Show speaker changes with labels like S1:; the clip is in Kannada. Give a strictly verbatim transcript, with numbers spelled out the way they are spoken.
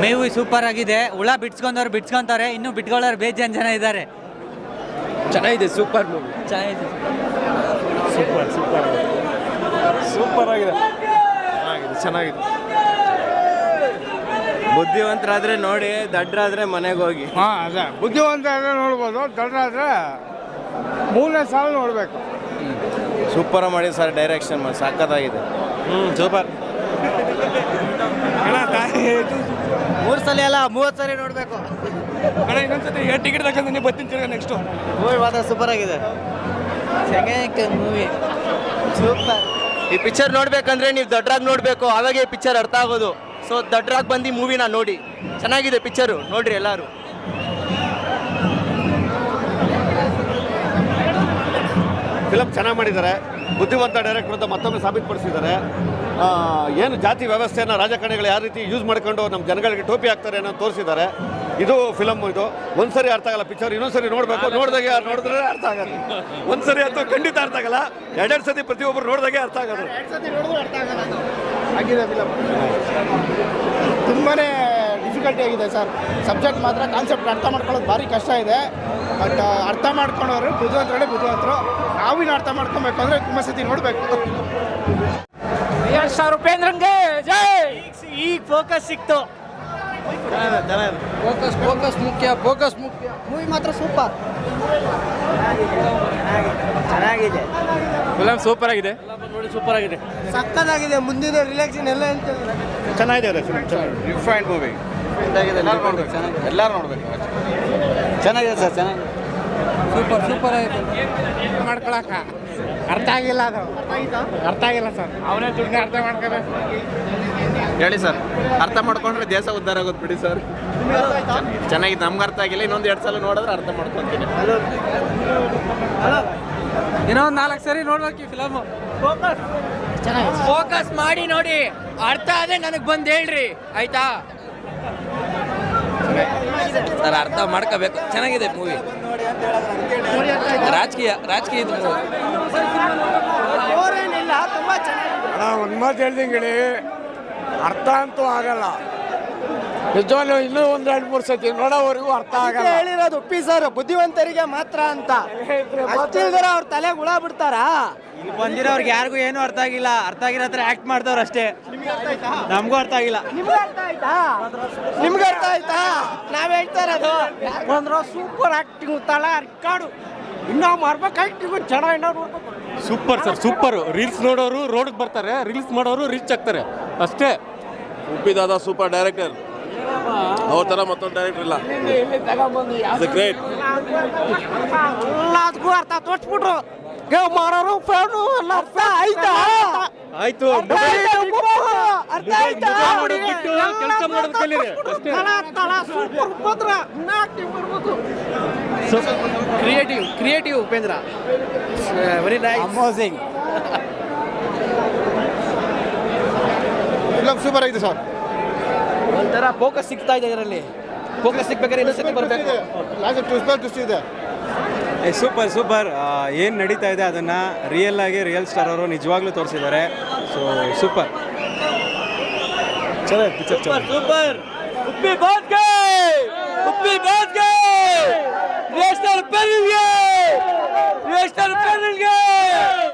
S1: ಮೇವು ಸೂಪರ್ ಆಗಿದೆ. ಹುಳ ಬಿಡ್ಸ್ಕೊಂಡವ್ರು ಬಿಡ್ಸ್ಕೊಂತಾರೆ, ಇನ್ನು ಬಿಟ್ಕೊಳ್ಳೋರು ಬೇಜಾನ್ ಜನ ಇದ್ದಾರೆ.
S2: ಚೆನ್ನಾಗಿದೆ, ಸೂಪರ್ ಮೂವಿ,
S1: ಚೆನ್ನಾಗಿದೆ,
S2: ಸೂಪರ್ ಸೂಪರ್ ಸೂಪರ್ ಆಗಿದೆ, ಚೆನ್ನಾಗಿದೆ. ಬುದ್ಧಿವಂತರಾದ್ರೆ ನೋಡಿ, ದಡ್ರಾದ್ರೆ ಮನೆಗೆ ಹೋಗಿ.
S3: ಹಾಂ ಅದೇ ಬುದ್ಧಿವಂತ ಆದರೆ ನೋಡ್ಬೋದು, ದೊಡ್ಡರಾದರೆ ಮೂರನೇ ಸಾಲ ನೋಡಬೇಕು.
S2: ಸೂಪರ್ ಮಾಡಿ ಸರ್, ಡೈರೆಕ್ಷನ್ ಸಾಕತ್ತಾಗಿದೆ. ಹ್ಞೂ ಸೂಪರ್.
S1: ಮೂರು ಸಲ ಅಲ್ಲ ಮೂವತ್ತು ಸಲ ನೋಡಬೇಕು.
S3: ಇನ್ನೊಂದ್ಸತಿ ಟಿಕೆಟ್ ತಗೊಂಡು ನೀವು ಬರ್ತೀನಿ ನೆಕ್ಸ್ಟು.
S1: ಮೂವಿ ಮಾತ್ರ ಸೂಪರ್ ಆಗಿದೆ, ಮೂವಿ ಸೂಪರ್.
S2: ಈ ಪಿಕ್ಚರ್ ನೋಡ್ಬೇಕಂದ್ರೆ ನೀವು ದಡ್ರಾಗ್ ನೋಡಬೇಕು, ಅವಾಗೆ ಈ ಪಿಕ್ಚರ್ ಅರ್ಥ ಆಗೋದು. ಸೊ ದಡ್ರಾಗ್ ಬಂದು ಮೂವಿನ ನೋಡಿ, ಚೆನ್ನಾಗಿದೆ ಪಿಕ್ಚರು, ನೋಡ್ರಿ ಎಲ್ಲರೂ.
S4: ಫಿಲಮ್ ಚೆನ್ನಾಗಿ ಮಾಡಿದ್ದಾರೆ, ಬುದ್ಧಿವಂತ ಡೈರೆಕ್ಟರ್ ಅಂತ ಮತ್ತೊಮ್ಮೆ ಸಾಬೀತುಪಡಿಸಿದ್ದಾರೆ. ಏನು ಜಾತಿ ವ್ಯವಸ್ಥೆಯನ್ನು ರಾಜಕಾರಣಿಗಳು ಯಾವ ರೀತಿ ಯೂಸ್ ಮಾಡ್ಕೊಂಡು ನಮ್ಮ ಜನಗಳಿಗೆ ಟೋಪಿ ಹಾಕ್ತಾರೆ ಅನ್ನೋ ತೋರಿಸಿದ್ದಾರೆ. ಇದು ಫಿಲಮ್, ಇದು ಒಂದ್ಸರಿ ಅರ್ಥ ಆಗಲ್ಲ ಪಿಕ್ಚರ್, ಇನ್ನೊಂದ್ಸರಿ ನೋಡಬೇಕು. ನೋಡಿದಾಗೆ ಯಾರು ನೋಡಿದ್ರೆ ಅರ್ಥ ಆಗಲ್ಲ, ಒಂದ್ಸರಿ ಅಂತೂ ಖಂಡಿತ ಅರ್ಥ ಆಗಲ್ಲ, ಎರಡೆರಡು ಸತಿ ಪ್ರತಿಯೊಬ್ಬರು ನೋಡಿದಾಗೆ ಅರ್ಥ ಆಗೋದು.
S3: ಆಗಿದೆ ಫಿಲಮ್, ತುಂಬಾ ಡಿಫಿಕಲ್ಟಿ ಆಗಿದೆ ಸರ್. ಸಬ್ಜೆಕ್ಟ್ ಮಾತ್ರ ಕಾನ್ಸೆಪ್ಟ್ ಅರ್ಥ ಮಾಡ್ಕೊಳ್ಳೋದು ಭಾರಿ ಕಷ್ಟ ಇದೆ. ಬಟ್ ಅರ್ಥ ಮಾಡ್ಕೊಂಡವರು ಬುದ್ಧಿವಂತರೇ ಬುದ್ಧಿವಂತರು. ನಾವಿನ ಅರ್ಥ ಮಾಡ್ಕೊಬೇಕು ಅಂದರೆ ತುಂಬ ಸತಿ ನೋಡಬೇಕು.
S1: ಯಶ್ ಸರ್, ಉಪೇಂದ್ರಂಗೆ ಜೈ. ಈಗ ಫೋಕಸ್ ಸಿಕ್ತು,
S3: ಫೋಕಸ್ ಫೋಕಸ್ ಮುಖ್ಯ, ಫೋಕಸ್ ಮುಖ್ಯ.
S1: ಮೂವಿ ಮಾತ್ರ ಸೂಪರ್ ಚೆನ್ನಾಗಿದೆ.
S2: ಫಿಲಮ್ ಸೂಪರ್ ಆಗಿದೆ,
S1: ನೋಡಿ ಸೂಪರ್ ಆಗಿದೆ,
S3: ಸಕ್ಕತ್ತಾಗಿದೆ. ಮುಂದಿನ ರಿಲ್ಯಾಕ್ಸಿನ್ ಎಲ್ಲ ಅಂತ
S4: ಚೆನ್ನಾಗಿದೆ ಫಿಲಮ್,
S2: ಡಿಫ್ರೆಂಟ್ ಮೂವಿ, ಎಲ್ಲರೂ ನೋಡ್ಬೇಕು.
S1: ಚೆನ್ನಾಗಿದೆ ಸರ್, ಚೆನ್ನಾಗಿದೆ,
S3: ಸೂಪರ್ ಸೂಪರ್ ಆಗಿದೆ. ಮಾಡ್ಕೊಳಕ ಅರ್ಥ ಆಗಿಲ್ಲ, ಅದು ಅರ್ಥ ಆಗಿಲ್ಲ ಸರ್. ಅವನೇ ದುಡ್ಡು ಅರ್ಥ ಮಾಡ್ಕೋಬೇಕು.
S2: ಹೇಳಿ ಸರ್, ಅರ್ಥ ಮಾಡ್ಕೊಂಡ್ರೆ ದೇಶ ಉದ್ಧಾರ ಆಗೋದು ಬಿಡಿ ಸರ್. ಚೆನ್ನಾಗಿದೆ, ನಮ್ಗೆ ಅರ್ಥ ಆಗಿಲ್ಲ, ಇನ್ನೊಂದು ಎರಡು ಸಲ ನೋಡಿದ್ರೆ ಅರ್ಥ ಮಾಡ್ಕೊತೀನಿ.
S1: ಇನ್ನೊಂದು ನಾಲ್ಕು ಸರಿ ನೋಡ್ಬೇಕು ಈ ಫಿಲಮ್. ಫೋಕಸ್ ಮಾಡಿ ನೋಡಿ, ಅರ್ಥ ಆದ್ರೆ ನನಗೆ ಬಂದು ಹೇಳ್ರಿ ಆಯ್ತಾ ಸರ್. ಅರ್ಥ ಮಾಡ್ಕೋಬೇಕು, ಚೆನ್ನಾಗಿದೆ ಮೂವಿ. ರಾಜಕೀಯ ರಾಜಕೀಯ
S3: ಒಂದು ಮಾತು ಹೇಳ್ದಂಗೆ ಹೇಳಿ, ಅರ್ಥ ಅಂತೂ ಆಗಲ್ಲ ನಿಜವಾಗ್ಲೂ. ಇನ್ನೂ ಒಂದು ಎರಡು ಮೂರು ಸತಿ ನೋಡೋವರೆಗೂ ಅರ್ಥ ಆಗಲ್ಲ.
S1: ಹೇಳಿರೋದು ಉಪ್ಪಿ ಸರ್, ಬುದ್ಧಿವಂತರಿಗೆ ಮಾತ್ರ ಅಂತ. ಅಷ್ಟಿಲ್ದಿರ ಅವ್ರ ತಲೆಗೆ ಹುಳ ಬಿಡ್ತಾರ. ಇಲ್ಲಿ ಬಂದಿರೋರ್ಗೆ ಯಾರಿಗೂ ಏನು ಅರ್ಥ ಆಗಿಲ್ಲ, ಅರ್ಥ ಆಗಿರೋ ಹತ್ರ ಆಕ್ಟ್ ಮಾಡ್ದವ್ರು ಅಷ್ಟೇ. ನಮಗೂ ಅರ್ಥ ಆಗಿಲ್ಲ. ನಿಮ್ಗೆ ಅರ್ಥ ಆಯ್ತಾ? ನಿಮ್ಗೆ ಅರ್ಥ ಆಯ್ತಾ? ನಾವ್ ಹೇಳ್ತಾ ಇರೋದು ಬಂದ್ರು ಸೂಪರ್ ಆಕ್ಟಿಂಗ್, ತಳ ರಿಕಾರ್ಡು ಇನ್ನೂ ಮಾಡ್ಬೇಕು. ಆಕ್ಟಿಂಗ್ ಚೆನ್ನಾಗಿ ನೋಡ್ಬೇಕು.
S5: Super sir, super. ರೀಲ್ಸ್ ನೋಡೋರು ರೋಡ್ಗೆ ಬರ್ತಾರೆ, ರೀಲ್ಸ್ ಮಾಡೋರು ರೀಚ್ ಆಗ್ತಾರೆ ಅಷ್ಟೇ.
S6: ಉಪ್ಪಿದಾದ ಸೂಪರ್ ಡೈರೆಕ್ಟರ್, ಅವ್ರ ಥರ ಮತ್ತೊಂದು ಡೈರೆಕ್ಟರ್ ಇಲ್ಲ. ಗ್ರೇಟ್.
S1: ಎಲ್ಲದಕ್ಕೂ ಅರ್ಥ ತೋರಿಸ್ಬಿಟ್ರು. ಮಾರೋರು ಫ್ಯಾನು ಎಲ್ಲ ಅರ್ಥ ಆಯ್ತಾ?
S5: ಆಯ್ತು,
S1: ಅರ್ಥ ಆಯ್ತಾ?
S5: ಕೆಲಸ ಮಾಡೋದು ಕಲೀರಿ ಅಷ್ಟೇ.
S1: Creative creative Upendra, very nice, amazing.
S4: Film super ಆಗಿದೆ ಸರ್.
S1: ಒಂಥರ ಫೋಕಸ್ ಸಿಗ್ತಾ ಇದೆ ಇದರಲ್ಲಿ. ಫೋಕಸ್ ಸಿಗ್ಬೇಕಾದ್ರೆ ಇನ್ನೊಂದು ಸತಿ ಬರಬೇಕು.
S4: ಟ್ವಿಸ್ಟ್ ಇದೆ.
S7: Super super. ಏನು ನಡೀತಾ ಇದೆ ಅದನ್ನು ರಿಯಲ್ ಆಗಿ ರಿಯಲ್ ಸ್ಟಾರ್ ಅವರು ನಿಜವಾಗ್ಲೂ ತೋರಿಸಿದ್ದಾರೆ. ಸೊ ಸೂಪರ್, ಚೆನ್ನಾಗಿ ಪಿಕ್ಚರ್,
S1: ಸೂಪರ್ ಸೂಪರ್. ಉಪ್ಪಿ ಬಾತ್ ಗೈ, ಉಪ್ಪಿ ಬಾತ್ ಗೈ, ನೇಷನಲ್ ಪೆರಿಲ್ಗೆ, ನೇಷನಲ್ ಪೆರಿಲ್ಗೆ.